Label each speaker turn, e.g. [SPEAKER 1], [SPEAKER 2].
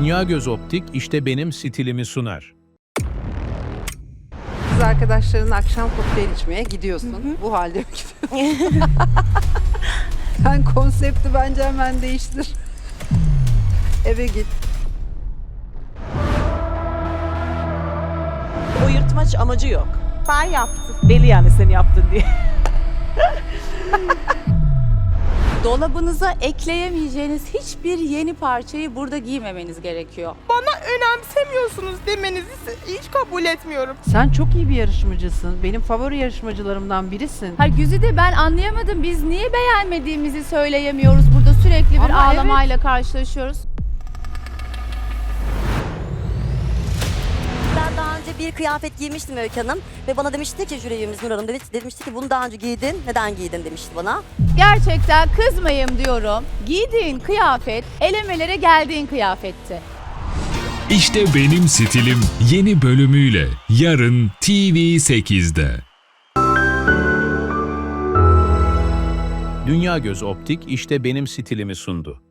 [SPEAKER 1] Dünya Göz Optik işte benim stilimi sunar.
[SPEAKER 2] Kız arkadaşların akşam kokteyl içmeye gidiyorsun. Bu halde mi gidiyorsun? Sen konsepti bence hemen değiştir. Eve git.
[SPEAKER 3] O yırtmaç amacı yok.
[SPEAKER 4] Ben yaptım.
[SPEAKER 3] Belli yani sen yaptın diye.
[SPEAKER 4] Dolabınıza ekleyemeyeceğiniz hiçbir yeni parçayı burada giymemeniz gerekiyor.
[SPEAKER 5] Bana önemsemiyorsunuz demenizi hiç kabul etmiyorum.
[SPEAKER 2] Sen çok iyi bir yarışmacısın. Benim favori yarışmacılarımdan birisin.
[SPEAKER 6] Hayır Güzide ben anlayamadım. Biz niye beğenmediğimizi söyleyemiyoruz? Burada sürekli bir
[SPEAKER 2] Ama
[SPEAKER 6] ağlamayla karşılaşıyoruz.
[SPEAKER 7] Ben daha önce bir kıyafet giymiştim Öykü Hanım ve bana demişti ki jüri üyemiz Nur Hanım demişti ki bunu daha önce giydin, neden giydin demişti bana.
[SPEAKER 6] Gerçekten kızmayayım diyorum. Giydiğin kıyafet elemelere geldiğin kıyafetti.
[SPEAKER 8] İşte benim stilim yeni bölümüyle yarın TV8'de.
[SPEAKER 1] Dünya Göz Optik işte benim stilimi sundu.